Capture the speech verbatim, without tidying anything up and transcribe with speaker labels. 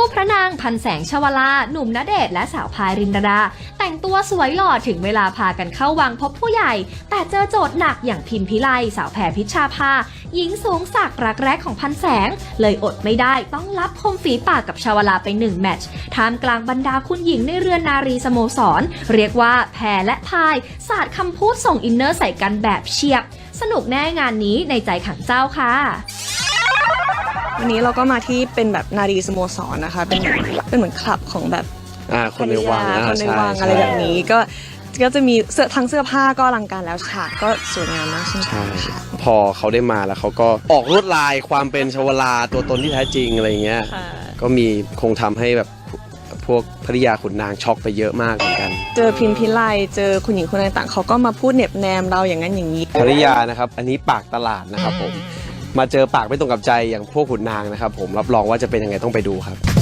Speaker 1: คู่พระนางพันแสงชวลาหนุ่มณเดชน์และสาวพายรินดาแต่งตัวสวยหล่อถึงเวลาพากันเข้าวังพบผู้ใหญ่แต่เจอโจทย์หนักอย่างพิมพิไลสาวแพรพิชชาภาหญิงสูงสักรักแรกของพันแสงเลยอดไม่ได้ต้องรับคมฝีปากกับชวลาไปหนึ่งแมตช์ท่ามกลางบรรดาคุณหญิงในเรือนนารีสโมสรเรียกว่าแพรและพายสาดคำพูดส่งอินเนอร์ใส่กันแบบเฉียบสนุกแน่งานนี้ในใจขังเจ้าค่ะ
Speaker 2: วันนี้เราก็มาที่เป็นแบบนารีสโมสรนะคะเป็นเป็นเหมือนคลับของแบบ
Speaker 3: อ่าคนในวัง
Speaker 2: คนในวังอะไรแบบนี้ก็ก็จะมีเสื้อทั้งเสื้อผ้าก็อลังการแล้วฉากก็สวยงามมากเช่นกันค่ะ
Speaker 3: พอเขาได้มาแล้วเขาก็ออกลวดลายความเป็นชวลาตัวตนที่แท้จริงอะไรเงี้ยก็มีคงทำให้แบบพวกภริยาขุนนางช็อกไปเยอะมากเหมือนกัน
Speaker 2: เจอพิมพิไลเจอคุณหญิงคนต่างๆเขาก็มาพูดเน็บแนมเราอย่างนั้นอย่างนี้
Speaker 3: ภริยานะครับอันนี้ปากตลาดนะครับผมมาเจอปากไม่ตรงกับใจอย่างพวกขุนนางนะครับผมรับรองว่าจะเป็นยังไงต้องไปดูครับ